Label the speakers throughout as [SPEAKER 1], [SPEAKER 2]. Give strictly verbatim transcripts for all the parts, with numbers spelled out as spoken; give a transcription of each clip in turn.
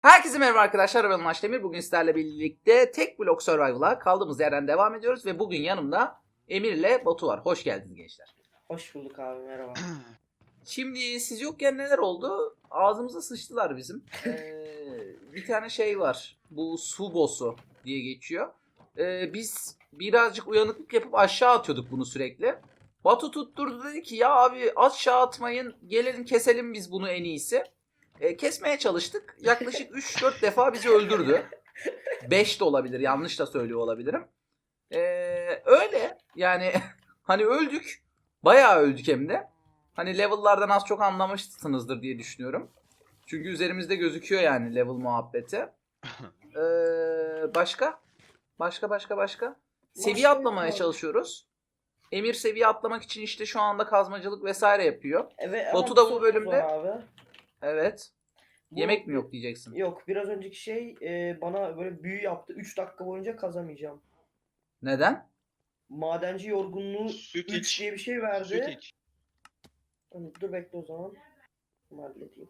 [SPEAKER 1] Herkese merhaba arkadaşlar, ben Ulaş Demir. Bugün sizlerle birlikte tek blok survival'a kaldığımız yerden devam ediyoruz ve bugün yanımda Emir ile Batu var. Hoş geldiniz gençler.
[SPEAKER 2] Hoş bulduk abi, merhaba.
[SPEAKER 1] Şimdi siz yokken neler oldu? Ağzımıza sıçtılar bizim. Ee, bir tane şey var. Bu su boss'u diye geçiyor. Ee, biz birazcık uyanıklık yapıp aşağı atıyorduk bunu sürekli. Batu tutturdu, dedi ki ya abi aşağı atmayın, gelelim keselim biz bunu en iyisi. E, kesmeye çalıştık. Yaklaşık üç dört defa bizi öldürdü. beş de olabilir. Yanlış da söylüyor olabilirim. E, öyle. Yani hani öldük. Bayağı öldük hem de. Hani level'lardan az çok anlamışsınızdır diye düşünüyorum. Çünkü üzerimizde gözüküyor yani level muhabbeti. E, başka? Başka başka başka? Seviye atlamaya çalışıyoruz. Emir seviye atlamak için işte şu anda kazmacılık vesaire yapıyor.
[SPEAKER 2] Evet,
[SPEAKER 1] Batu
[SPEAKER 2] ama
[SPEAKER 1] da
[SPEAKER 2] bir
[SPEAKER 1] bu
[SPEAKER 2] sorunuz
[SPEAKER 1] bölümde-
[SPEAKER 2] var abi.
[SPEAKER 1] Evet.
[SPEAKER 2] Bu-
[SPEAKER 1] Yemek mi yok diyeceksin?
[SPEAKER 2] Yok, biraz önceki şey e, bana böyle büyü yaptı. üç dakika boyunca kazamayacağım.
[SPEAKER 1] Neden?
[SPEAKER 2] Madenci yorgunluğu
[SPEAKER 3] Süt
[SPEAKER 2] üç
[SPEAKER 3] iç.
[SPEAKER 2] diye bir şey
[SPEAKER 3] Süt
[SPEAKER 2] verdi.
[SPEAKER 3] iç.
[SPEAKER 2] Hani dur bekle o zaman. Bunu halledeyim.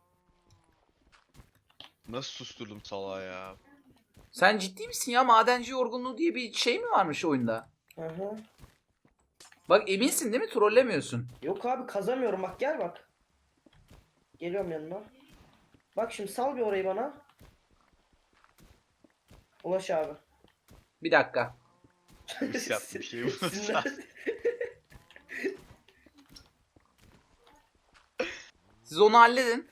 [SPEAKER 3] Nasıl susturdum salağı ya?
[SPEAKER 1] Sen ciddi misin ya? Madenci yorgunluğu diye bir şey mi varmış oyunda?
[SPEAKER 2] Aha.
[SPEAKER 1] Bak eminsin değil mi? Trollemiyorsun.
[SPEAKER 2] Yok abi, kazamıyorum, bak gel bak. Geliyorum yanına. Bak şimdi sal bir orayı bana. Ulaş abi.
[SPEAKER 1] Bir dakika.
[SPEAKER 3] Hırs yaptı bir şey bu.
[SPEAKER 2] Sinirlen-
[SPEAKER 1] Siz onu halledin.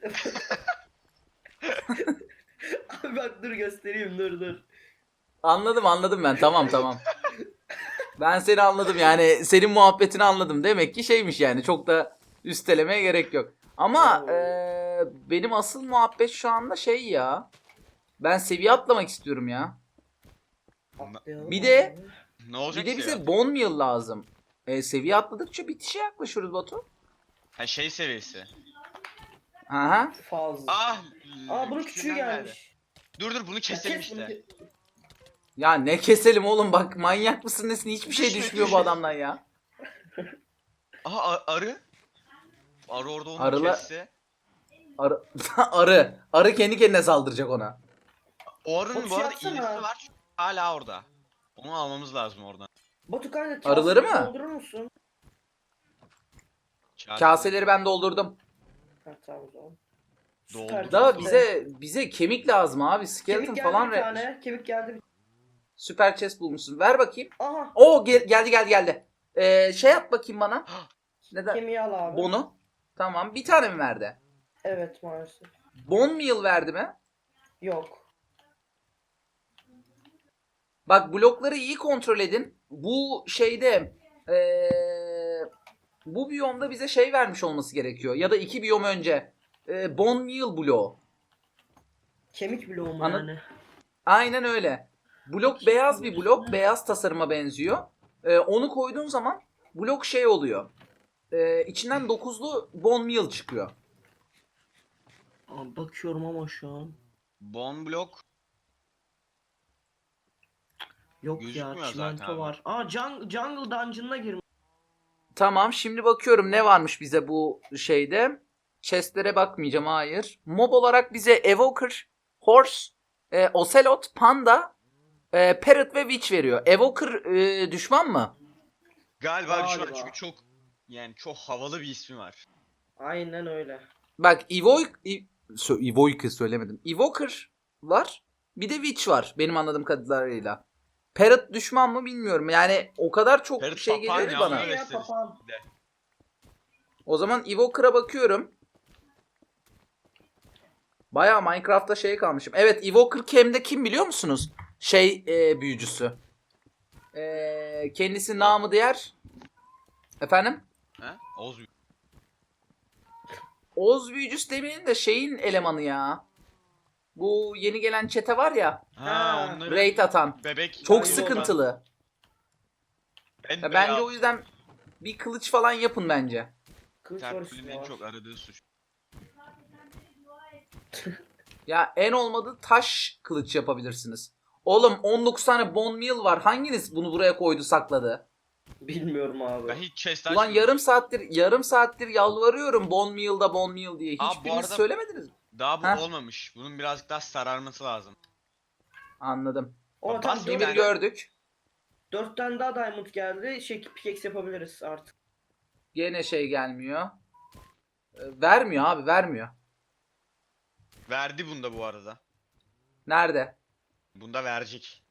[SPEAKER 2] Abi bak dur göstereyim, dur dur.
[SPEAKER 1] Anladım anladım ben. Tamam tamam. Ben seni anladım yani. Senin muhabbetini anladım. Demek ki şeymiş yani. Çok da üstelemeye gerek yok. Ama
[SPEAKER 2] Oo.
[SPEAKER 1] eee, benim asıl muhabbet şu anda şey ya. Ben seviye atlamak istiyorum ya.
[SPEAKER 2] Atlayalım
[SPEAKER 1] Bir de-
[SPEAKER 2] abi.
[SPEAKER 3] Ne olacak
[SPEAKER 1] Bir de
[SPEAKER 3] ki
[SPEAKER 1] bize
[SPEAKER 3] ya?
[SPEAKER 1] bone meal lazım. E, seviye atladıkça bitişe yaklaşıyoruz Batu.
[SPEAKER 3] Ha şey seviyesi.
[SPEAKER 1] Aha.
[SPEAKER 2] Fazla.
[SPEAKER 3] Ah!
[SPEAKER 2] Aa bunun küçüğü
[SPEAKER 3] küçüğünden geldi.
[SPEAKER 2] gelmiş.
[SPEAKER 3] Dur dur bunu
[SPEAKER 2] Ya
[SPEAKER 3] keselim
[SPEAKER 2] kes bunu,
[SPEAKER 3] işte.
[SPEAKER 2] ke-
[SPEAKER 1] Ya ne keselim oğlum, bak manyak mısın nesin, hiçbir şey
[SPEAKER 3] Düşme,
[SPEAKER 1] düşmüyor bu
[SPEAKER 3] düşme.
[SPEAKER 1] adamdan ya.
[SPEAKER 3] Aha a- arı. Arı orada onu
[SPEAKER 1] Arıla-
[SPEAKER 3] kesse.
[SPEAKER 1] Arı, arı. Arı kendi kendine saldıracak ona.
[SPEAKER 3] O arının
[SPEAKER 2] Batu
[SPEAKER 3] bu arada
[SPEAKER 2] yapsana.
[SPEAKER 3] iğnesi var. Hala orada. Onu almamız lazım oradan.
[SPEAKER 2] Batu kanka
[SPEAKER 1] Arıları
[SPEAKER 2] kaseyi
[SPEAKER 1] mı?
[SPEAKER 2] doldurur musun?
[SPEAKER 3] Kase-
[SPEAKER 1] Kaseleri ben doldurdum.
[SPEAKER 2] Ha tamam o zaman.
[SPEAKER 3] Doldu.
[SPEAKER 2] Süper
[SPEAKER 1] Da
[SPEAKER 2] chest.
[SPEAKER 1] bize bize kemik lazım abi. Skeleton
[SPEAKER 2] Kemik geldi
[SPEAKER 1] falan
[SPEAKER 2] bir
[SPEAKER 1] ve
[SPEAKER 2] tane. Kemik geldi bir
[SPEAKER 1] süper chest bulmuşsun. Ver bakayım.
[SPEAKER 2] Aha.
[SPEAKER 1] Oo gel- geldi geldi geldi. Ee, şey yap bakayım bana. Neden?
[SPEAKER 2] Kemiği al abi.
[SPEAKER 1] Bonu. Tamam. Bir tane mi verdi?
[SPEAKER 2] Evet maalesef.
[SPEAKER 1] Bone meal verdi mi?
[SPEAKER 2] Yok.
[SPEAKER 1] Bak blokları iyi kontrol edin. Bu şeyde ee, bu biyomda bize şey vermiş olması gerekiyor. Ya da iki biyom önce. Ee, bone meal bloğu.
[SPEAKER 2] Kemik bloğu mu
[SPEAKER 1] Anladın?
[SPEAKER 2] yani?
[SPEAKER 1] Aynen öyle. Blok beyaz bir blok. Beyaz tasarıma benziyor. Ee, onu koyduğun zaman blok şey oluyor. Ee, içinden dokuzlu bone meal çıkıyor.
[SPEAKER 2] Aa, bakıyorum ama şu an.
[SPEAKER 3] Bone block.
[SPEAKER 2] Yok ya,
[SPEAKER 3] Gözükmüyor
[SPEAKER 2] çimento
[SPEAKER 3] zaten abi.
[SPEAKER 2] var. Aa jung- Jungle Dungeon'ına girmiş.
[SPEAKER 1] Tamam, şimdi bakıyorum ne varmış bize bu şeyde. Chestlere bakmayacağım, hayır. Mob olarak bize Evoker, Horse, e, Ocelot, Panda, e, Parrot ve Witch veriyor. Evoker e, düşman mı?
[SPEAKER 3] Galiba bir şey var
[SPEAKER 2] Galiba.
[SPEAKER 3] çünkü çok yani çok havalı bir ismi var.
[SPEAKER 2] Aynen öyle.
[SPEAKER 1] Bak Evoy Ev- Sö- Evoker söylemedim. Evoker var. Bir de Witch var benim anladığım kadarıyla. Parrot düşman mı bilmiyorum. Yani o kadar çok
[SPEAKER 3] Parrot
[SPEAKER 1] şey
[SPEAKER 3] papağan
[SPEAKER 1] geliyor ki
[SPEAKER 3] ya,
[SPEAKER 1] bana.
[SPEAKER 3] öyle
[SPEAKER 2] Ya,
[SPEAKER 3] isteriz.
[SPEAKER 2] papağan.
[SPEAKER 1] O zaman Evoker'a bakıyorum. Bayağı Minecraft'ta şey kalmışım. Evet, Evoker Cam'de kim biliyor musunuz? Şey e, büyücüsü. E, kendisi namı diğer. Efendim?
[SPEAKER 3] He? Oğuz
[SPEAKER 1] Oğuz büyücüsü demeyelim de şeyin elemanı ya. Bu yeni gelen çete var ya.
[SPEAKER 3] Ha,
[SPEAKER 2] Ha.
[SPEAKER 3] onları
[SPEAKER 1] Raid atan.
[SPEAKER 3] bebek.
[SPEAKER 1] Çok
[SPEAKER 2] Aynen.
[SPEAKER 1] sıkıntılı.
[SPEAKER 3] En
[SPEAKER 1] Ya
[SPEAKER 3] bela-
[SPEAKER 1] bence o yüzden bir kılıç falan yapın bence.
[SPEAKER 2] Kılıç var
[SPEAKER 3] Tertülün
[SPEAKER 2] üstüne
[SPEAKER 3] en
[SPEAKER 2] var.
[SPEAKER 3] çok aradığı suç.
[SPEAKER 1] Ya en olmadı taş kılıç yapabilirsiniz. Oğlum on dokuz tane bone meal var. Hanginiz bunu buraya koydu sakladı?
[SPEAKER 2] Bilmiyorum abi.
[SPEAKER 3] Ben hiç chest
[SPEAKER 1] Ulan
[SPEAKER 3] açmadım.
[SPEAKER 1] yarım saattir yarım saattir yalvarıyorum bone meal'da bone meal diye.
[SPEAKER 3] Aa, bu
[SPEAKER 1] Hiçbiriniz
[SPEAKER 3] arada-
[SPEAKER 1] söylemediniz mi?
[SPEAKER 3] Daha bu
[SPEAKER 1] Heh.
[SPEAKER 3] olmamış. Bunun birazcık daha sararması lazım.
[SPEAKER 1] Anladım.
[SPEAKER 2] O
[SPEAKER 3] Bas
[SPEAKER 2] tam
[SPEAKER 3] bir
[SPEAKER 2] dört,
[SPEAKER 1] Emir
[SPEAKER 3] tane.
[SPEAKER 1] gördük.
[SPEAKER 2] dört tane daha diamond geldi. Şey pickaxe yapabiliriz artık.
[SPEAKER 1] Gene şey gelmiyor. Ee, vermiyor abi vermiyor.
[SPEAKER 3] Verdi bunda bu arada.
[SPEAKER 1] Nerede?
[SPEAKER 3] Bunda verecek.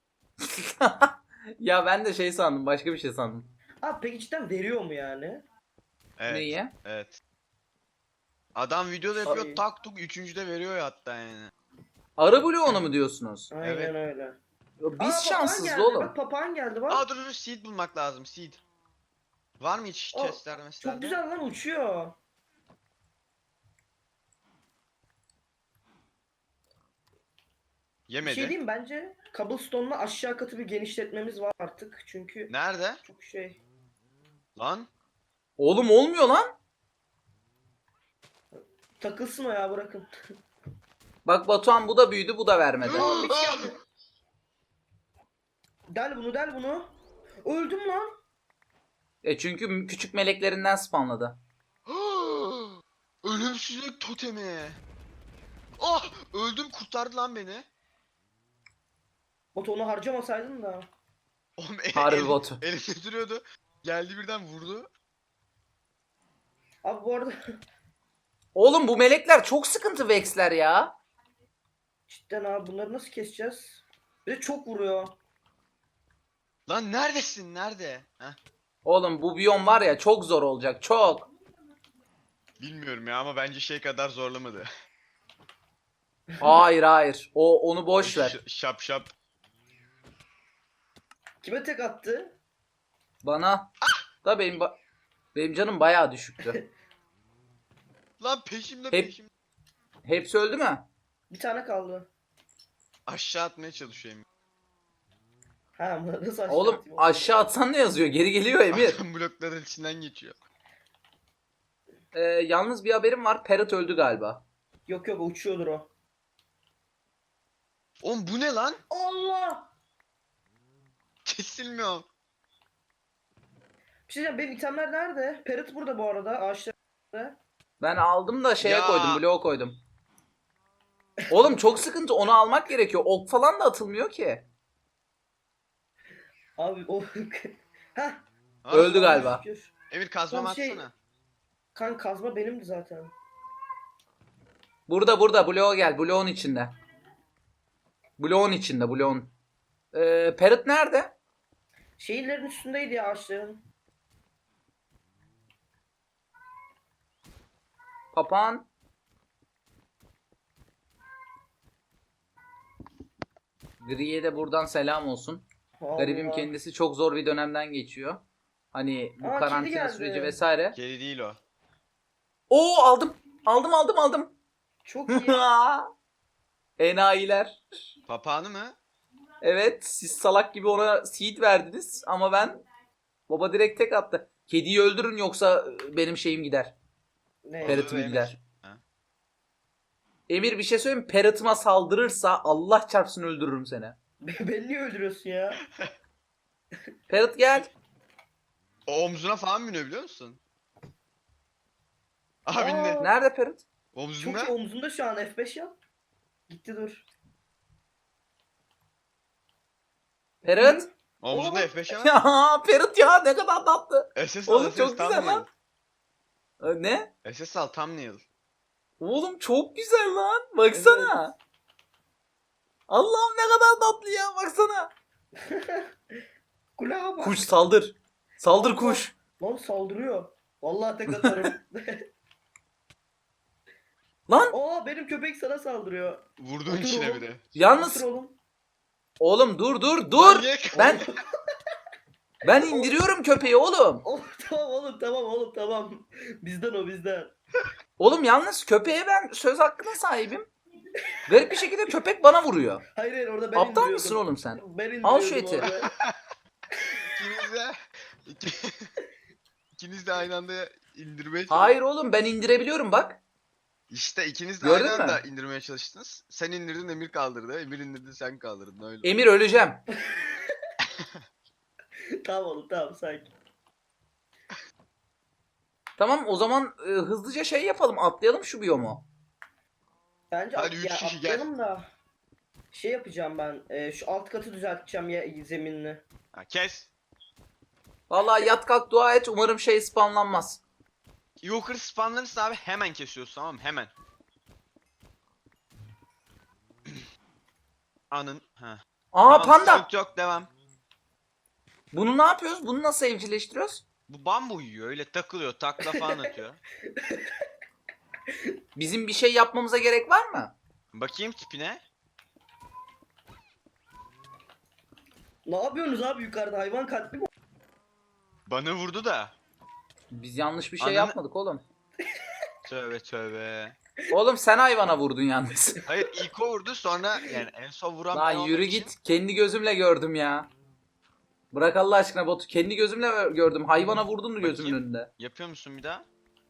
[SPEAKER 1] Ya ben de şey sandım, başka bir şey sandım.
[SPEAKER 2] Abi peki cidden veriyor mu yani?
[SPEAKER 3] Evet.
[SPEAKER 1] Neyi?
[SPEAKER 3] Evet. Adam videoda yapıyor
[SPEAKER 2] Ay.
[SPEAKER 3] tak tuk üçüncüde veriyor ya hatta yani.
[SPEAKER 1] Arı bloğunu mu diyorsunuz?
[SPEAKER 2] Aynen
[SPEAKER 3] Evet.
[SPEAKER 2] öyle.
[SPEAKER 1] Ya
[SPEAKER 2] Aa,
[SPEAKER 1] Biz
[SPEAKER 2] papağan
[SPEAKER 1] şanssız
[SPEAKER 2] geldi.
[SPEAKER 1] oğlum.
[SPEAKER 2] Bak papağan geldi bak.
[SPEAKER 3] Aa dur dur seed bulmak lazım seed. Var mı hiç
[SPEAKER 2] Aa,
[SPEAKER 3] chestler mesela?
[SPEAKER 2] Çok güzel lan uçuyor. Bir
[SPEAKER 3] Yemedi.
[SPEAKER 2] şey diyeyim bence cobblestone'la aşağı katı bir genişletmemiz var artık. Çünkü
[SPEAKER 3] Nerede?
[SPEAKER 2] çok şey.
[SPEAKER 3] Lan.
[SPEAKER 1] Oğlum olmuyor lan.
[SPEAKER 2] Takılsın o ya bırakın.
[SPEAKER 1] Bak Batuhan bu da büyüdü, bu da vermedi.
[SPEAKER 2] Aa, bir şey geldi. Del bunu del bunu. Öldüm lan.
[SPEAKER 1] E çünkü küçük meleklerinden spawnladı.
[SPEAKER 3] Ölümsüzlük totemi. Ah öldüm kurtardı lan beni.
[SPEAKER 2] Batu onu harcamasaydın da.
[SPEAKER 3] Oğlum el,
[SPEAKER 1] Harbi
[SPEAKER 3] el,
[SPEAKER 1] botu.
[SPEAKER 3] elimde duruyordu. Geldi birden vurdu.
[SPEAKER 2] Abi bu arada
[SPEAKER 1] Oğlum bu melekler çok sıkıntı Vex'ler ya.
[SPEAKER 2] cidden abi bunları nasıl keseceğiz? Bir de çok vuruyor.
[SPEAKER 3] Lan neredesin nerede? Heh.
[SPEAKER 1] Oğlum bu biyom var ya çok zor olacak, çok.
[SPEAKER 3] Bilmiyorum ya ama bence şey kadar zorlamadı.
[SPEAKER 1] Hayır hayır. O onu boş ver.
[SPEAKER 3] Ş- şap şap.
[SPEAKER 2] Kime tek attı?
[SPEAKER 1] Bana da benim ba- benim canım bayağı düşüktü.
[SPEAKER 3] Lan peşimde
[SPEAKER 1] Hep-
[SPEAKER 3] peşimde.
[SPEAKER 1] Hepsi öldü mü?
[SPEAKER 2] Bir tane kaldı.
[SPEAKER 3] Aşağı atmaya çalışıyorum.
[SPEAKER 2] Ha nasıl aşağı
[SPEAKER 1] Oğlum
[SPEAKER 2] atayım?
[SPEAKER 1] aşağı atsan ne yazıyor? Geri geliyor Emir.
[SPEAKER 3] Adam blokların içinden geçiyor.
[SPEAKER 1] Ee, yalnız bir haberim var. Parrot öldü galiba.
[SPEAKER 2] Yok yok uçuyordur o.
[SPEAKER 3] Oğlum bu ne lan?
[SPEAKER 2] Allah!
[SPEAKER 3] Kesilmiyor.
[SPEAKER 2] Bir şey diyeceğim benim itemler nerede? Parrot burada bu arada ağaçlarda.
[SPEAKER 1] Ben aldım da şeye
[SPEAKER 3] Ya.
[SPEAKER 1] koydum, bloğa koydum. Oğlum çok sıkıntı, onu almak gerekiyor. Ok falan da atılmıyor ki.
[SPEAKER 2] Abi o... Heh.
[SPEAKER 3] Ha?
[SPEAKER 1] Öldü galiba.
[SPEAKER 2] şükür.
[SPEAKER 3] Emir kazmamı
[SPEAKER 2] Tam şey-
[SPEAKER 3] atsana.
[SPEAKER 2] Kan kazma benimdi zaten.
[SPEAKER 1] Burada burada bloğa gel. Bloğun içinde. Bloğun içinde bloğun. Ee, Parrot nerede?
[SPEAKER 2] Şehirlerin üstündeydi ya ağaçların.
[SPEAKER 1] Papağan. Gri'ye de buradan selam olsun.
[SPEAKER 2] Allah.
[SPEAKER 1] Garibim kendisi çok zor bir dönemden geçiyor. Hani bu
[SPEAKER 2] Aa, kedi
[SPEAKER 1] karantina
[SPEAKER 2] geldi.
[SPEAKER 1] süreci vesaire.
[SPEAKER 3] Kedi değil o.
[SPEAKER 1] Oo aldım. Aldım aldım aldım.
[SPEAKER 2] Çok iyi.
[SPEAKER 1] Enayiler.
[SPEAKER 3] Papağanı mı?
[SPEAKER 1] Evet, siz salak gibi ona seed verdiniz ama ben baba direkt tek attı. Kediyi öldürün yoksa benim şeyim gider.
[SPEAKER 2] Ne?
[SPEAKER 1] Parrot'um
[SPEAKER 3] Emir.
[SPEAKER 1] gider.
[SPEAKER 3] Ha.
[SPEAKER 1] Emir bir şey söyleyeyim mi? Parrot'ıma saldırırsa Allah çarpsın öldürürüm seni.
[SPEAKER 2] Beni niye öldürüyorsun ya?
[SPEAKER 1] Parrot gel.
[SPEAKER 3] O omzuna falan biniyor biliyor musun? Aha
[SPEAKER 2] Aa.
[SPEAKER 3] bindi.
[SPEAKER 1] Nerede Parrot?
[SPEAKER 3] Omzunda.
[SPEAKER 2] Çok iyi omzunda şu an F beş yap. Gitti dur.
[SPEAKER 1] Parrot.
[SPEAKER 3] Omzunda
[SPEAKER 2] Oğlum.
[SPEAKER 3] F beş var.
[SPEAKER 1] Ya Parrot ya ne kadar tatlı.
[SPEAKER 3] S S al,
[SPEAKER 1] Oğlum
[SPEAKER 3] S S
[SPEAKER 1] çok güzel
[SPEAKER 3] thumbnail.
[SPEAKER 1] lan. Ee, Ne?
[SPEAKER 3] S S al thumbnail.
[SPEAKER 1] Oğlum çok güzel lan. Baksana. Allah'ım ne kadar tatlı ya baksana.
[SPEAKER 2] Kulağa bak.
[SPEAKER 1] Kuş saldır. Saldır
[SPEAKER 2] Allah.
[SPEAKER 1] kuş.
[SPEAKER 2] Lan saldırıyor. Vallahi tek atarım.
[SPEAKER 1] Lan
[SPEAKER 2] Aa benim köpek sana saldırıyor.
[SPEAKER 3] Vurduğun
[SPEAKER 2] Otur
[SPEAKER 3] içine
[SPEAKER 2] oğlum.
[SPEAKER 3] bir de.
[SPEAKER 1] yalnız
[SPEAKER 2] Otur oğlum.
[SPEAKER 1] oğlum dur dur
[SPEAKER 3] Lan
[SPEAKER 1] dur.
[SPEAKER 3] ye-
[SPEAKER 1] Ben ben indiriyorum köpeği oğlum.
[SPEAKER 2] Oğlum tamam oğlum tamam oğlum tamam. Bizden o bizden.
[SPEAKER 1] Oğlum yalnız köpeğe ben söz hakkına sahibim. Garip bir şekilde köpek bana vuruyor.
[SPEAKER 2] Hayır hayır orada ben
[SPEAKER 1] Aptal
[SPEAKER 2] indiriyordum.
[SPEAKER 1] mısın oğlum sen?
[SPEAKER 2] Ben indiriyordum
[SPEAKER 1] Al şu eti.
[SPEAKER 2] orada.
[SPEAKER 3] İkiniz de iki- ikiniz de aynı anda indirmeye çalıştınız.
[SPEAKER 1] Hayır oğlum ben indirebiliyorum bak.
[SPEAKER 3] İşte ikiniz de
[SPEAKER 1] Gördün
[SPEAKER 3] aynı
[SPEAKER 1] mü?
[SPEAKER 3] anda indirmeye çalıştınız. Sen indirdin Emir kaldırdı. Emir indirdi sen kaldırdın öyle.
[SPEAKER 1] Emir öleceğim.
[SPEAKER 2] Tamam oğlum tamam sakin.
[SPEAKER 1] Tamam o zaman e, hızlıca şey yapalım, atlayalım şu biyomu.
[SPEAKER 2] Bence
[SPEAKER 3] Hadi
[SPEAKER 2] at-
[SPEAKER 3] üç
[SPEAKER 2] ya
[SPEAKER 3] kişi gel.
[SPEAKER 2] atlayalım da şey yapacağım ben. e, şu alt katı düzelteceğim ya zeminini.
[SPEAKER 3] Ha, kes.
[SPEAKER 1] Vallahi yat kalk dua et, umarım şey spamlanmaz.
[SPEAKER 3] Evoker spawnlarırsın abi, hemen kesiyorsun, tamam mı? Hemen. Anın. Ha.
[SPEAKER 1] Aa,
[SPEAKER 3] Tamam,
[SPEAKER 1] panda.
[SPEAKER 3] sıkıntı yok, devam.
[SPEAKER 1] Bunu ne yapıyoruz? Bunu nasıl evcilleştiriyoruz?
[SPEAKER 3] Bu bambu yiyor, öyle takılıyor, takla falan atıyor.
[SPEAKER 1] Bizim bir şey yapmamıza gerek var mı?
[SPEAKER 3] Bakayım tipine.
[SPEAKER 2] Ne yapıyorsunuz abi yukarıda, hayvan katli mi?
[SPEAKER 3] Bana vurdu da.
[SPEAKER 1] Biz yanlış bir şey
[SPEAKER 3] Ananı-
[SPEAKER 1] yapmadık oğlum.
[SPEAKER 3] Tövbe tövbe.
[SPEAKER 1] Oğlum sen hayvana vurdun yalnız.
[SPEAKER 3] Hayır, ilk o vurdu, sonra yani en son vuran ben
[SPEAKER 1] Lan
[SPEAKER 3] olduğum
[SPEAKER 1] yürü
[SPEAKER 3] için-
[SPEAKER 1] git. Kendi gözümle gördüm ya. Bırak Allah aşkına Batu. Kendi gözümle gördüm. Hayvana vurdun mu gözümün
[SPEAKER 3] Bakayım.
[SPEAKER 1] önünde?
[SPEAKER 3] Yapıyor musun bir daha?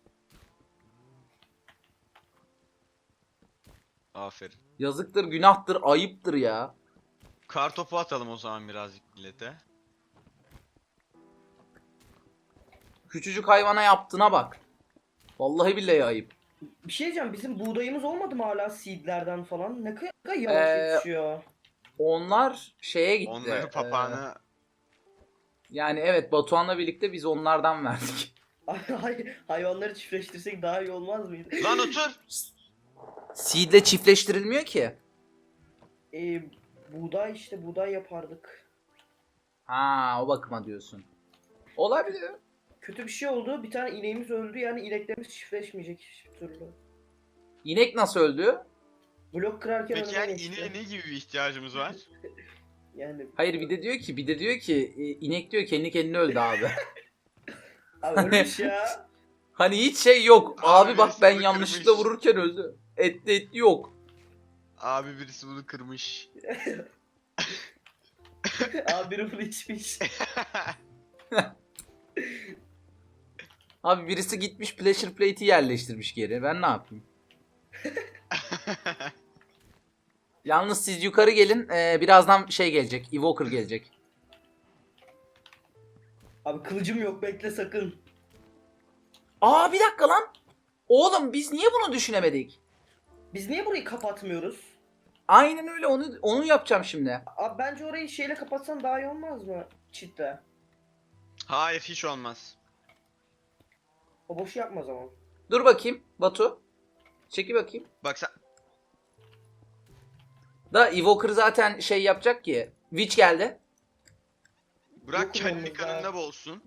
[SPEAKER 3] Aferin.
[SPEAKER 1] Yazıktır, günahtır, ayıptır ya.
[SPEAKER 3] Kar topu atalım o zaman birazcık millete.
[SPEAKER 1] Küçücük hayvana yaptığına bak. Vallahi billahi ayıp.
[SPEAKER 2] Bir şey diyeceğim, bizim buğdayımız olmadı mı hala seedlerden falan? Ne kadar yavaş
[SPEAKER 1] Ee,
[SPEAKER 2] yetişiyor.
[SPEAKER 1] Onlar şeye gitti.
[SPEAKER 3] Onları
[SPEAKER 1] Ee,
[SPEAKER 3] papağanı...
[SPEAKER 1] yani evet, Batuhan'la birlikte biz onlardan verdik.
[SPEAKER 2] Hay- hayvanları çiftleştirsek daha iyi olmaz mıydı?
[SPEAKER 3] Lan otur!
[SPEAKER 1] Seed'le çiftleştirilmiyor ki.
[SPEAKER 2] Ee, buğday işte, buğday yapardık.
[SPEAKER 1] Ha, o bakıma diyorsun. Olabilir.
[SPEAKER 2] Kötü bir şey oldu. Bir tane ineğimiz öldü, yani ineklerimiz çiftleşmeyecek hiçbir türlü.
[SPEAKER 1] İnek nasıl öldü?
[SPEAKER 2] Blok kırarken
[SPEAKER 3] Peki
[SPEAKER 2] önüme
[SPEAKER 3] yani
[SPEAKER 2] geçti.
[SPEAKER 3] ineğe ne gibi bir ihtiyacımız var?
[SPEAKER 2] Yani
[SPEAKER 1] Hayır, bir de diyor ki, bir de diyor ki e, inek diyor kendi kendine öldü abi.
[SPEAKER 2] abi ölmüş ya.
[SPEAKER 1] Hani hiç şey yok. Abi,
[SPEAKER 3] Abi
[SPEAKER 1] bak
[SPEAKER 3] birisi
[SPEAKER 1] ben
[SPEAKER 3] bunu
[SPEAKER 1] yanlışlıkla
[SPEAKER 3] kırmış.
[SPEAKER 1] vururken öldü. Etli etli yok.
[SPEAKER 3] Abi birisi bunu kırmış.
[SPEAKER 2] Abi biri bunu içmiş.
[SPEAKER 1] Abi birisi gitmiş pleasure plate'i yerleştirmiş geri. Ben ne yapayım? Yalnız siz yukarı gelin. Ee, birazdan şey gelecek. Evoker gelecek.
[SPEAKER 2] Abi kılıcım yok, bekle sakın.
[SPEAKER 1] Aa, bir dakika lan. Oğlum biz niye bunu düşünemedik?
[SPEAKER 2] Biz niye burayı kapatmıyoruz?
[SPEAKER 1] Aynen öyle, onu onu yapacağım şimdi.
[SPEAKER 2] Abi bence orayı şeyle kapatsan daha iyi olmaz mı? Çitle.
[SPEAKER 3] Hayır, hiç olmaz.
[SPEAKER 2] O boşu yapma o zaman.
[SPEAKER 1] Dur bakayım Batu. Çeki bakayım.
[SPEAKER 3] Bak sen...
[SPEAKER 1] Da Evoker zaten şey yapacak ki. Witch geldi.
[SPEAKER 3] Bırak
[SPEAKER 2] Yok
[SPEAKER 3] kendi
[SPEAKER 2] olmamız
[SPEAKER 3] kanında
[SPEAKER 2] lazım.
[SPEAKER 3] boğulsun.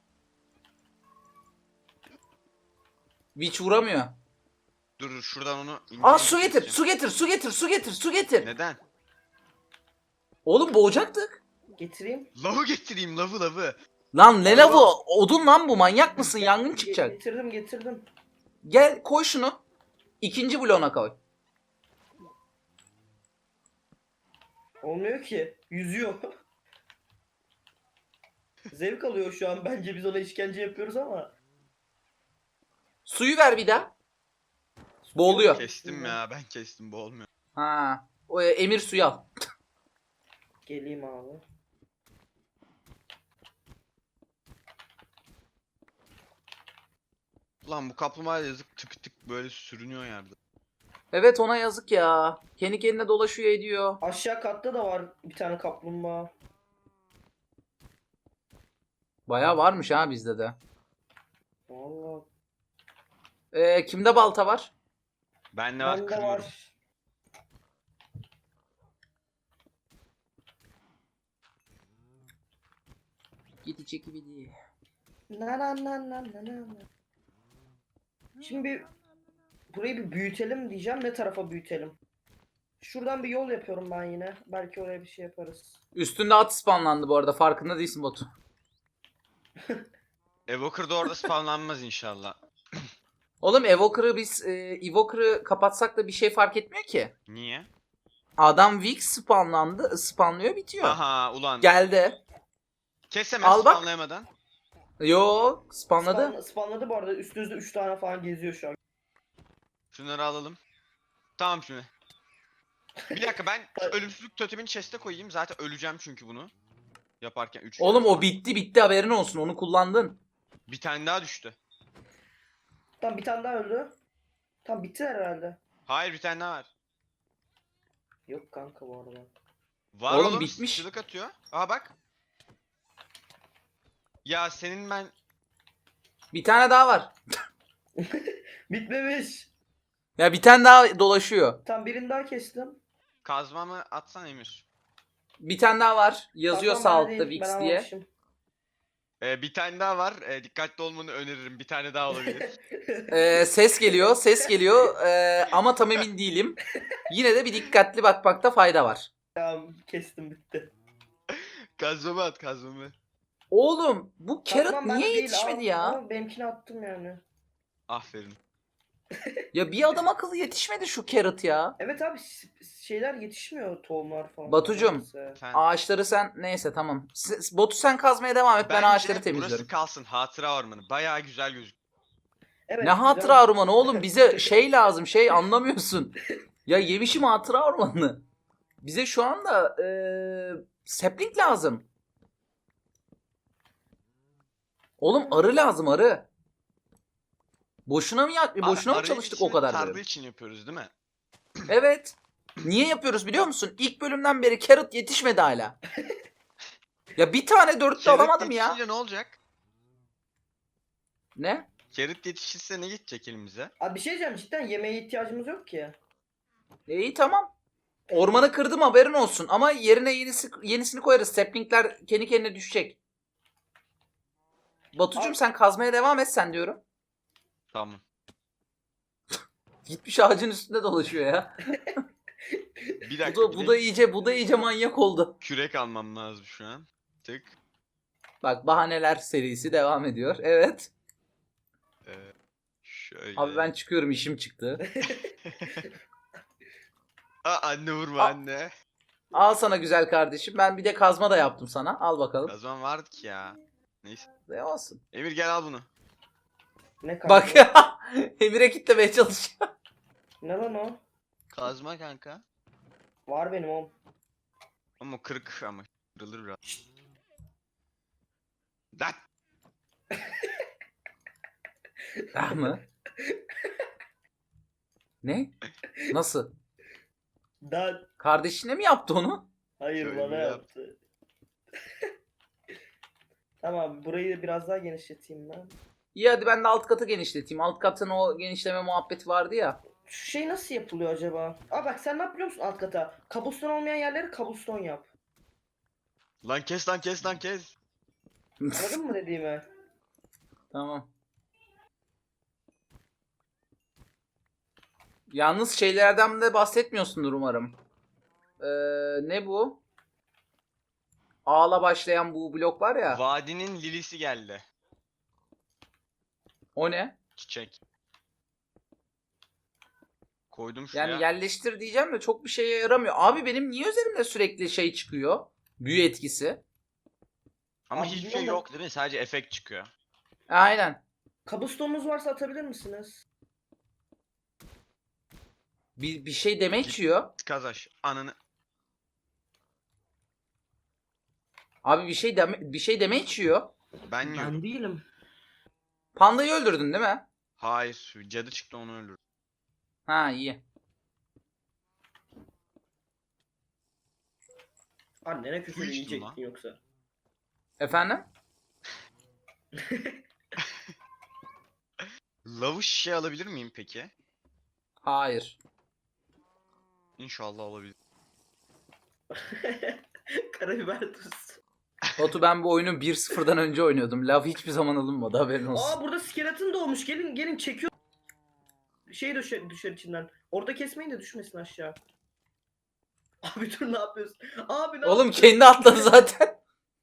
[SPEAKER 1] Witch vuramıyor.
[SPEAKER 3] Dur dur, şuradan onu... ince
[SPEAKER 1] Aa,
[SPEAKER 3] ince
[SPEAKER 1] su getir,
[SPEAKER 3] keseceğim.
[SPEAKER 1] su getir, su getir, su getir, su getir.
[SPEAKER 3] Neden?
[SPEAKER 1] Oğlum boğacaktık.
[SPEAKER 2] Getireyim.
[SPEAKER 3] Lavı getireyim, lavı lavı.
[SPEAKER 1] Lan ne lavı? Odun lan bu, manyak mısın? Yangın
[SPEAKER 2] Ge-
[SPEAKER 1] çıkacak.
[SPEAKER 2] Getirdim getirdim.
[SPEAKER 1] Gel koy şunu. İkinci bloğuna koy.
[SPEAKER 2] Olmuyor ki. Yüzüyor. Zevk alıyor şu an, bence biz ona işkence yapıyoruz ama.
[SPEAKER 1] Suyu ver bir daha. Boğuluyor.
[SPEAKER 3] Kestim ya, ben kestim, bu olmuyor.
[SPEAKER 1] Ha. O e, emir suyu al.
[SPEAKER 2] Geleyim abi.
[SPEAKER 3] Lan bu kaplumbağa yazık, tık tık böyle sürünüyor yerde.
[SPEAKER 1] Evet, ona yazık ya. Kendi kendine dolaşıyor ediyor.
[SPEAKER 2] Aşağı katta da var bir tane kaplumbağa.
[SPEAKER 1] Bayağı varmış ha bizde de.
[SPEAKER 2] Vallahi.
[SPEAKER 1] Ee, kimde balta var?
[SPEAKER 3] Ben ne var,
[SPEAKER 2] Bende
[SPEAKER 3] kırıyorum.
[SPEAKER 2] var.
[SPEAKER 1] Gidi çeki bidi.
[SPEAKER 2] Na na na na na na. Şimdi bir burayı bir büyütelim diyeceğim. Ne tarafa büyütelim? Şuradan bir yol yapıyorum ben yine. Belki oraya bir şey yaparız.
[SPEAKER 1] Üstünde at spawnlandı bu arada, farkında değilsin Batu.
[SPEAKER 3] Evoker da orada spawnlanmaz inşallah.
[SPEAKER 1] Oğlum Evoker'ı biz e, Evoker'ı kapatsak da bir şey fark etmiyor ki.
[SPEAKER 3] Niye?
[SPEAKER 1] Adam Vix spawnlandı, spawnlıyor bitiyor.
[SPEAKER 3] Aha ulan.
[SPEAKER 1] Geldi.
[SPEAKER 3] Kes hemen
[SPEAKER 1] Al bak.
[SPEAKER 3] spawnlayamadan.
[SPEAKER 1] Yo, spawnladı.
[SPEAKER 2] Spawn, spawnladı bu arada. Üstünüzde üç tane falan geziyor şu an.
[SPEAKER 3] Şunları alalım. Tamam şimdi. Bir dakika, ben şu ölümsüzlük totemini chest'e koyayım. Zaten öleceğim çünkü bunu. Yaparken üç.
[SPEAKER 1] Oğlum o bitti bitti, haberin olsun, onu kullandın.
[SPEAKER 3] Bir tane daha düştü.
[SPEAKER 2] Tam bir tane daha öldü. Tam bitti herhalde.
[SPEAKER 3] Hayır bir tane daha var.
[SPEAKER 2] Yok kanka bu arada.
[SPEAKER 3] Var
[SPEAKER 1] Oğlum,
[SPEAKER 3] oğlum,
[SPEAKER 1] bitmiş.
[SPEAKER 3] sıçrılık atıyor. Aha bak. Ya senin ben...
[SPEAKER 1] Bir tane daha var.
[SPEAKER 2] Bitmemiş.
[SPEAKER 1] Ya bir tane daha dolaşıyor.
[SPEAKER 2] Tam birini daha kestim.
[SPEAKER 3] Kazmamı atsan Emir.
[SPEAKER 1] Bir tane daha var. Yazıyor
[SPEAKER 2] Tamam,
[SPEAKER 1] sağ
[SPEAKER 2] ben
[SPEAKER 1] altta
[SPEAKER 2] değil, ben
[SPEAKER 1] Vix diye.
[SPEAKER 2] almamışım.
[SPEAKER 3] Ee, bir tane daha var. Ee, dikkatli olmanı öneririm. Bir tane daha olabilir.
[SPEAKER 1] Ee, ses geliyor, ses geliyor ee, ama tam emin değilim. Yine de bir dikkatli bakmakta fayda var.
[SPEAKER 2] Tamam kestim bitti.
[SPEAKER 3] Kazmamı at kazmamı.
[SPEAKER 1] Oğlum bu carrot
[SPEAKER 2] Tamam, ben
[SPEAKER 1] niye
[SPEAKER 2] değil,
[SPEAKER 1] yetişmedi
[SPEAKER 2] al-
[SPEAKER 1] ya?
[SPEAKER 2] Ama benimkini attım yani.
[SPEAKER 3] Aferin.
[SPEAKER 1] Ya bir adam akıllı yetişmedi şu carrot ya.
[SPEAKER 2] Evet abi s- şeyler yetişmiyor, tohumlar falan.
[SPEAKER 1] Batucum.
[SPEAKER 2] Neyse.
[SPEAKER 3] Sen...
[SPEAKER 1] Ağaçları sen neyse tamam. S- Botu sen kazmaya devam et, ben
[SPEAKER 3] Bence
[SPEAKER 1] ağaçları
[SPEAKER 3] burası
[SPEAKER 1] temizliyorum.
[SPEAKER 3] kalsın. Hatıra ormanı. Bayağı güzel gözüküyor.
[SPEAKER 2] Evet,
[SPEAKER 1] Ne
[SPEAKER 2] güzel.
[SPEAKER 1] hatıra ormanı oğlum, bize şey lazım, şey anlamıyorsun. Ya yemişim hatıra ormanını. Bize şu anda ee, sapling lazım. Oğlum arı lazım, arı. Boşuna mı ya, boşuna mı
[SPEAKER 3] Arayı
[SPEAKER 1] çalıştık o
[SPEAKER 3] için,
[SPEAKER 1] kadar
[SPEAKER 3] tarla
[SPEAKER 1] bölüm?
[SPEAKER 3] için yapıyoruz değil mi?
[SPEAKER 1] Evet. Niye yapıyoruz biliyor musun? İlk bölümden beri carrot yetişmedi hala. Ya bir tane dörtte
[SPEAKER 3] Carrot
[SPEAKER 1] alamadım ya.
[SPEAKER 3] yetişince ne olacak?
[SPEAKER 1] Ne?
[SPEAKER 3] Carrot yetişirse ne gidecek elimize?
[SPEAKER 2] Abi bir şey diyeceğim, cidden yemeğe ihtiyacımız yok ki.
[SPEAKER 1] E, iyi tamam. Ormanı kırdım, haberin olsun. Ama yerine yenisi, yenisini koyarız. Saplingler kendi kendine düşecek. Batucuğum
[SPEAKER 2] Abi-
[SPEAKER 1] sen kazmaya devam et sen diyorum.
[SPEAKER 3] Tamam.
[SPEAKER 1] Gitmiş ağacın üstünde dolaşıyor ya.
[SPEAKER 3] Bir
[SPEAKER 1] Bu
[SPEAKER 3] dakika.
[SPEAKER 1] da,
[SPEAKER 3] bir
[SPEAKER 1] bu
[SPEAKER 3] de
[SPEAKER 1] da iyice bu da iyice manyak oldu.
[SPEAKER 3] kürek almam lazım şu an. Tık.
[SPEAKER 1] Bak bahaneler serisi devam ediyor. Evet.
[SPEAKER 3] Ee, şöyle.
[SPEAKER 1] Abi ben çıkıyorum, işim çıktı.
[SPEAKER 3] Aa, anne vurma
[SPEAKER 1] Aa.
[SPEAKER 3] anne.
[SPEAKER 1] Al sana güzel kardeşim. Ben bir de kazma da yaptım sana. Al bakalım.
[SPEAKER 3] Kazman vardı ki ya. Neyse.
[SPEAKER 1] Ne olsun.
[SPEAKER 3] Emir gel al bunu.
[SPEAKER 2] Ne kanka?
[SPEAKER 1] Bak ya. Emir'e kitlemeye çalışıyor.
[SPEAKER 2] Ne lan o?
[SPEAKER 3] Kazma kanka.
[SPEAKER 2] Var benim oğlum.
[SPEAKER 3] Ama kırık ama kırılır biraz. Lan.
[SPEAKER 1] Ah mı? Ne? Nasıl?
[SPEAKER 2] Dan.
[SPEAKER 1] Kardeşine mi yaptı onu?
[SPEAKER 2] Hayır,
[SPEAKER 3] Şöyle
[SPEAKER 2] bana
[SPEAKER 3] yap.
[SPEAKER 2] yaptı. Tamam, burayı biraz daha genişleteyim ben.
[SPEAKER 1] İyi hadi ben de alt katı genişleteyim. Alt katın o genişleme muhabbeti vardı ya.
[SPEAKER 2] Şu şey nasıl yapılıyor acaba? Aa bak, sen ne yap biliyor musun alt kata? Kabuston olmayan yerleri kabuston yap.
[SPEAKER 3] Lan kes lan kes lan kes.
[SPEAKER 2] Anladın mı dediğimi?
[SPEAKER 1] Tamam. Yalnız şeylerden de bahsetmiyorsundur umarım. Ee, ne bu? A'la başlayan bu blok var ya.
[SPEAKER 3] Vadinin lilisi geldi.
[SPEAKER 1] O ne?
[SPEAKER 3] Çiçek. Koydum şuraya.
[SPEAKER 1] Yani yerleştir diyeceğim de çok bir şeye yaramıyor. Abi benim niye üzerimde sürekli şey çıkıyor? Büyü etkisi.
[SPEAKER 3] Ama
[SPEAKER 2] Abi
[SPEAKER 3] hiçbir şey
[SPEAKER 2] bilmiyorum da-
[SPEAKER 3] yok değil mi? Sadece efekt çıkıyor.
[SPEAKER 1] Aynen.
[SPEAKER 2] Kabustonunuz varsa atabilir misiniz?
[SPEAKER 1] Bir, bir şey deme içiyor.
[SPEAKER 3] Kazaş. Ananı.
[SPEAKER 1] Abi bir şey deme, bir şey deme içiyor.
[SPEAKER 3] Ben yiyorum.
[SPEAKER 2] değilim.
[SPEAKER 1] Pandayı öldürdün değil mi?
[SPEAKER 3] Hayır. Cadı çıktı onu öldürdü.
[SPEAKER 1] Ha iyi.
[SPEAKER 2] Annene küfür
[SPEAKER 3] Su içtim
[SPEAKER 2] yiyecektin
[SPEAKER 3] lan.
[SPEAKER 2] yoksa.
[SPEAKER 1] Efendim?
[SPEAKER 3] Lavuş şişe alabilir miyim peki?
[SPEAKER 1] Hayır.
[SPEAKER 3] İnşallah alabilir.
[SPEAKER 2] Karabiber tuz.
[SPEAKER 1] Batu ben bu oyunu bir sıfırdan önce oynuyordum. Lav hiçbir zaman alınmadı, haberin olsun.
[SPEAKER 2] Aa burada skeleton doğmuş. Gelin gelin, çekiyor. Şey düşer, düşer içinden. Orada kesmeyin de düşmesin aşağı. Abi dur, ne yapıyorsun? Abi ne
[SPEAKER 1] Oğlum
[SPEAKER 2] yapıyorsun?
[SPEAKER 1] kendi atladı zaten.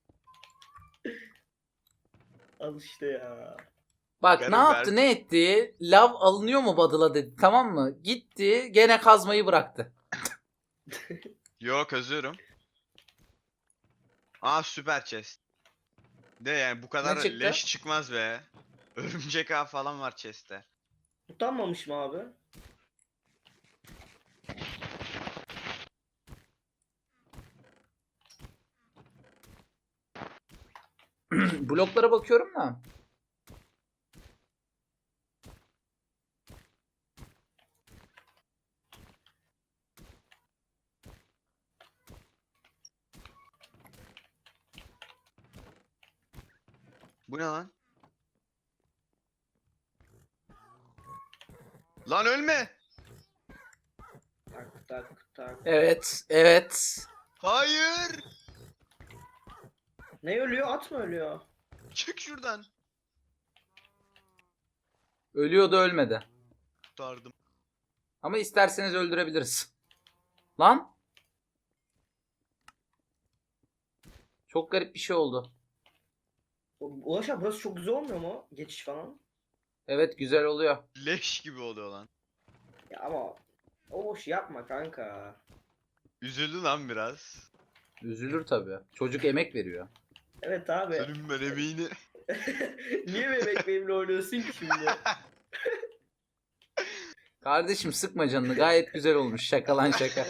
[SPEAKER 2] Al işte ya.
[SPEAKER 1] Bak
[SPEAKER 3] Benim
[SPEAKER 1] ne yaptı
[SPEAKER 3] ver-
[SPEAKER 1] ne etti? Lav alınıyor mu Badıla dedi, tamam mı? Gitti gene kazmayı bıraktı.
[SPEAKER 3] Yok özüyorum. Aa süper chest. De yani bu kadar
[SPEAKER 1] çıktı?
[SPEAKER 3] leş çıkmaz be. Örümcek ağ falan var chest'te.
[SPEAKER 2] Utanmamış mı abi?
[SPEAKER 1] Bloklara bakıyorum da.
[SPEAKER 3] Bu ne lan? Lan ölme.
[SPEAKER 2] Tak tak tak.
[SPEAKER 1] Evet, evet.
[SPEAKER 3] Hayır.
[SPEAKER 2] Ne ölüyor? At mı ölüyor?
[SPEAKER 3] Çık şuradan.
[SPEAKER 1] Ölüyordu, ölmedi.
[SPEAKER 3] Kurtardım.
[SPEAKER 1] Ama isterseniz öldürebiliriz. Lan. Çok garip bir şey oldu.
[SPEAKER 2] Ulaş abi burası çok güzel olmuyor mu? Geçiş falan.
[SPEAKER 1] Evet, güzel oluyor.
[SPEAKER 3] Leş gibi oluyor lan.
[SPEAKER 2] Ya ama o boş yapma kanka.
[SPEAKER 3] Üzüldü lan biraz.
[SPEAKER 1] Üzülür tabii. Çocuk emek veriyor.
[SPEAKER 2] Evet abi.
[SPEAKER 3] Senin ben emeğini.
[SPEAKER 2] Niye bebek benimle oynuyorsun ki şimdi?
[SPEAKER 1] Kardeşim sıkma canını. Gayet güzel olmuş. Şaka lan şaka.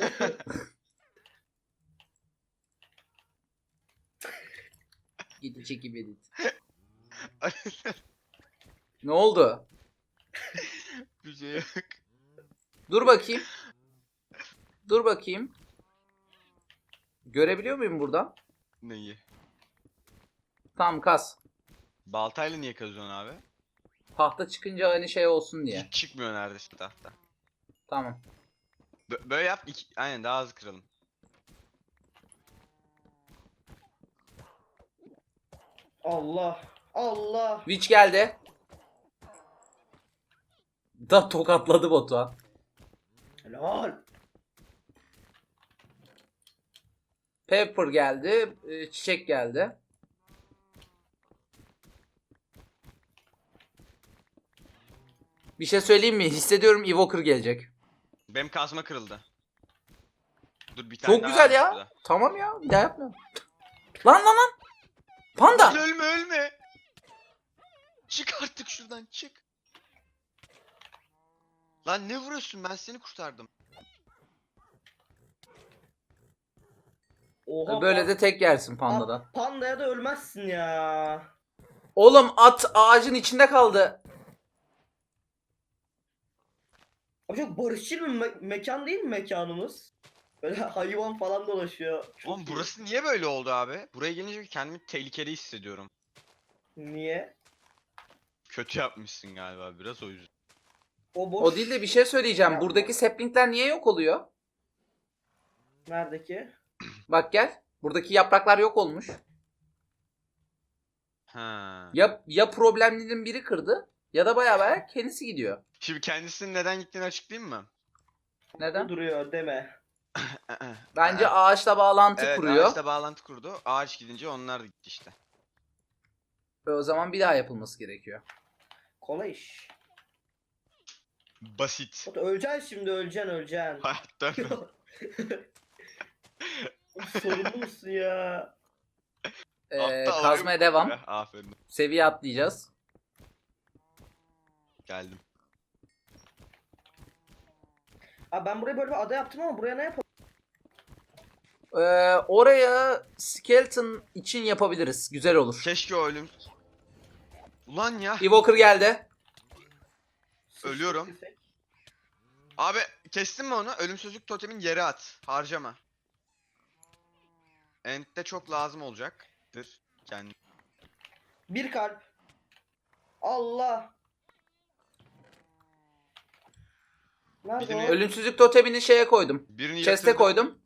[SPEAKER 1] Gidin çekip edit. Ne oldu?
[SPEAKER 3] Bir şey yok.
[SPEAKER 1] Dur bakayım. Dur bakayım. Görebiliyor muyum buradan?
[SPEAKER 3] Neyi?
[SPEAKER 1] Tamam, kas.
[SPEAKER 3] Baltayla niye kazıyorsun abi?
[SPEAKER 1] Tahta çıkınca hani şey olsun diye.
[SPEAKER 3] Hiç çıkmıyor neredeyse tahta.
[SPEAKER 1] Tamam.
[SPEAKER 3] Bö- böyle yap. Iki... Aynen daha hızlı kıralım.
[SPEAKER 2] Allah. Allah.
[SPEAKER 1] Witch geldi. Da tokatladı Batuhan.
[SPEAKER 2] Helal.
[SPEAKER 1] Pepper geldi. e, Çiçek geldi. Bir şey söyleyeyim mi? Hissediyorum Evoker gelecek.
[SPEAKER 3] Benim kazma kırıldı. Dur bir tane
[SPEAKER 1] Çok
[SPEAKER 3] daha
[SPEAKER 1] güzel
[SPEAKER 3] varmış
[SPEAKER 1] ya.
[SPEAKER 3] burada.
[SPEAKER 1] Tamam ya. Bir daha yapmıyorum. Lan lan lan. Panda.
[SPEAKER 3] Lan ölme ölme. Çık artık şuradan çık. Lan ne vuruyorsun, ben seni kurtardım.
[SPEAKER 2] Oha.
[SPEAKER 1] Böyle
[SPEAKER 2] pan-
[SPEAKER 1] de tek yersin
[SPEAKER 2] Aa,
[SPEAKER 1] pandadan.
[SPEAKER 2] Pandaya da ölmezsin ya.
[SPEAKER 1] Oğlum at ağacın içinde kaldı.
[SPEAKER 2] Abi çok barışçıl bir me- mekan değil mi mekanımız? Böyle hayvan falan dolaşıyor. Çok
[SPEAKER 3] Oğlum
[SPEAKER 2] iyi.
[SPEAKER 3] burası niye böyle oldu abi? Buraya gelince kendimi tehlikeli hissediyorum.
[SPEAKER 2] Niye?
[SPEAKER 3] Kötü yapmışsın galiba biraz, o yüzden.
[SPEAKER 2] O boş.
[SPEAKER 1] O değil de bir şey söyleyeceğim.
[SPEAKER 2] Ya.
[SPEAKER 1] Buradaki saplingler niye yok oluyor?
[SPEAKER 2] Neredeki?
[SPEAKER 1] Bak gel. Buradaki yapraklar yok olmuş.
[SPEAKER 3] Ha.
[SPEAKER 1] Ya ya problemlerin biri kırdı ya da bayağı bayağı kendisi gidiyor.
[SPEAKER 3] Şimdi kendisinin neden gittiğini açıklayayım mı?
[SPEAKER 1] Neden?
[SPEAKER 2] Bu duruyor deme.
[SPEAKER 1] Bence ağaçla bağlantı
[SPEAKER 3] Evet,
[SPEAKER 1] kuruyor.
[SPEAKER 3] ağaçla bağlantı kurdu. Ağaç gidince onlar da gitti işte.
[SPEAKER 1] Ve o zaman bir daha yapılması gerekiyor.
[SPEAKER 2] Kolay iş.
[SPEAKER 3] Basit.
[SPEAKER 2] Batu öleceksin şimdi öleceksin öleceksin.
[SPEAKER 3] Hayatta
[SPEAKER 2] Sorumlu musun ya?
[SPEAKER 1] Ee,
[SPEAKER 3] Aptal
[SPEAKER 1] kazmaya
[SPEAKER 3] oyun bu
[SPEAKER 1] devam.
[SPEAKER 3] ya. Aferin.
[SPEAKER 1] Seviye atlayacağız.
[SPEAKER 3] Geldim.
[SPEAKER 2] Abi ben buraya böyle bir ada yaptım ama buraya ne yapalım?
[SPEAKER 1] Ee, oraya skeleton için yapabiliriz. Güzel olur.
[SPEAKER 3] Keşke o ölüm... Ulan ya.
[SPEAKER 1] Evoker geldi.
[SPEAKER 3] Ölüyorum.
[SPEAKER 2] Sıçtık.
[SPEAKER 3] Abi kestin mi onu? Ölümsüzlük totemin yere at. Harcama. End'de çok lazım olacaktır. Kendi.
[SPEAKER 2] Bir kalp. Allah. Nerede
[SPEAKER 3] Birini-
[SPEAKER 2] o?
[SPEAKER 1] Ölümsüzlük totemini şeye koydum.
[SPEAKER 3] Birini
[SPEAKER 1] Chest'e
[SPEAKER 3] yatırdım.
[SPEAKER 1] koydum.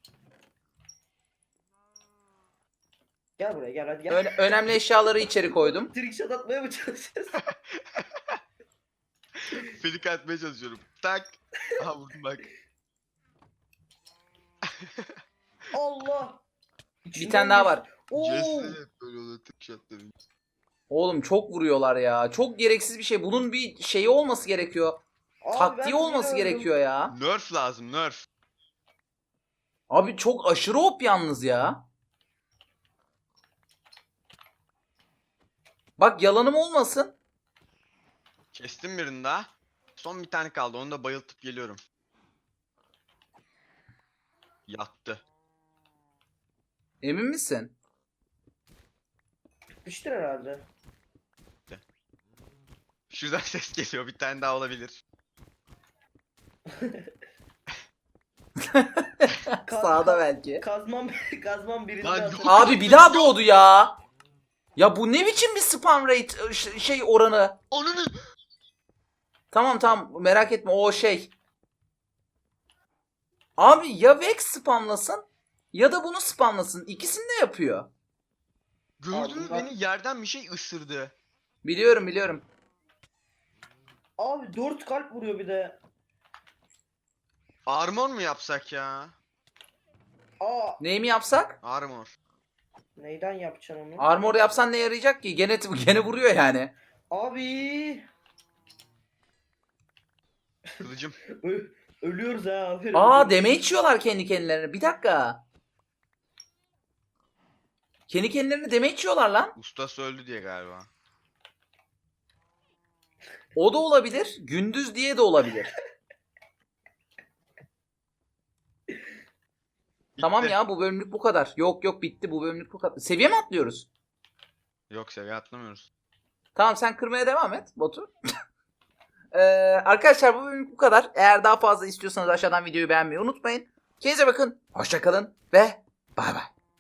[SPEAKER 2] Gel buraya gel hadi gel.
[SPEAKER 1] Ö- önemli eşyaları içeri koydum.
[SPEAKER 2] Trickshot atmaya mı çalışıyorsun?
[SPEAKER 3] Flick atmaya çalışıyorum. Tak. Aha vurdum bak.
[SPEAKER 2] Allah.
[SPEAKER 1] Bir tane daha var.
[SPEAKER 2] Oo.
[SPEAKER 3] Jesse böyle oluyor tık shot'ları.
[SPEAKER 1] Oğlum çok vuruyorlar ya. Çok gereksiz bir şey. Bunun bir şeyi olması gerekiyor.
[SPEAKER 2] Abi
[SPEAKER 1] Taktiği
[SPEAKER 2] ben
[SPEAKER 1] olması
[SPEAKER 2] biliyorum.
[SPEAKER 1] gerekiyor ya.
[SPEAKER 3] Nerf lazım, nerf.
[SPEAKER 1] Abi çok aşırı op yalnız ya. Bak yalanım olmasın.
[SPEAKER 3] Kestim birini daha. Son bir tane kaldı. Onu da bayıltıp geliyorum. Yattı.
[SPEAKER 1] Emin misin?
[SPEAKER 2] Bitmiştir herhalde.
[SPEAKER 3] Şuradan ses geliyor. Bir tane daha olabilir.
[SPEAKER 2] Ka-
[SPEAKER 1] Sağda
[SPEAKER 2] ka-
[SPEAKER 1] belki.
[SPEAKER 2] Kazmam, kazmam birinde
[SPEAKER 3] Lan
[SPEAKER 2] atıyor.
[SPEAKER 3] yok.
[SPEAKER 1] Abi bir daha doğdu ya. Ya bu ne biçim bir spam rate ş- şey oranı?
[SPEAKER 3] Ananı.
[SPEAKER 1] Tamam tamam merak etme o şey. Abi ya Vex spamlasın ya da bunu spamlasın. İkisini de yapıyor.
[SPEAKER 3] Gördün mü
[SPEAKER 2] bunlar-
[SPEAKER 3] beni yerden bir şey ısırdı.
[SPEAKER 1] Biliyorum biliyorum.
[SPEAKER 2] Abi dört kalp vuruyor bir de.
[SPEAKER 3] Armor mu yapsak ya?
[SPEAKER 2] Aa,
[SPEAKER 1] Neyi mi yapsak?
[SPEAKER 3] Armor.
[SPEAKER 2] neyden yapacaksın onu?
[SPEAKER 1] Armor yapsan ne yarayacak ki? Gene gene vuruyor yani.
[SPEAKER 2] Abi.
[SPEAKER 3] Kılıcım.
[SPEAKER 2] Ö- ölüyoruz ha abi.
[SPEAKER 1] Aa damage yiyorlar kendi kendilerine. Bir dakika. Kendi kendilerine damage yiyorlar lan.
[SPEAKER 3] Ustası öldü diye galiba.
[SPEAKER 1] O da olabilir. Gündüz diye de olabilir. Tamam
[SPEAKER 3] Bitti.
[SPEAKER 1] ya bu bölümlük bu kadar. Yok yok bitti bu bölümlük bu kadar. Seviye mi atlıyoruz?
[SPEAKER 3] Yok seviye atlamıyoruz.
[SPEAKER 1] Tamam sen kırmaya devam et Batu. Ee, arkadaşlar bu bölümlük bu kadar. Eğer daha fazla istiyorsanız aşağıdan videoyu beğenmeyi unutmayın. Kendinize bakın. Hoşça kalın ve bay bay.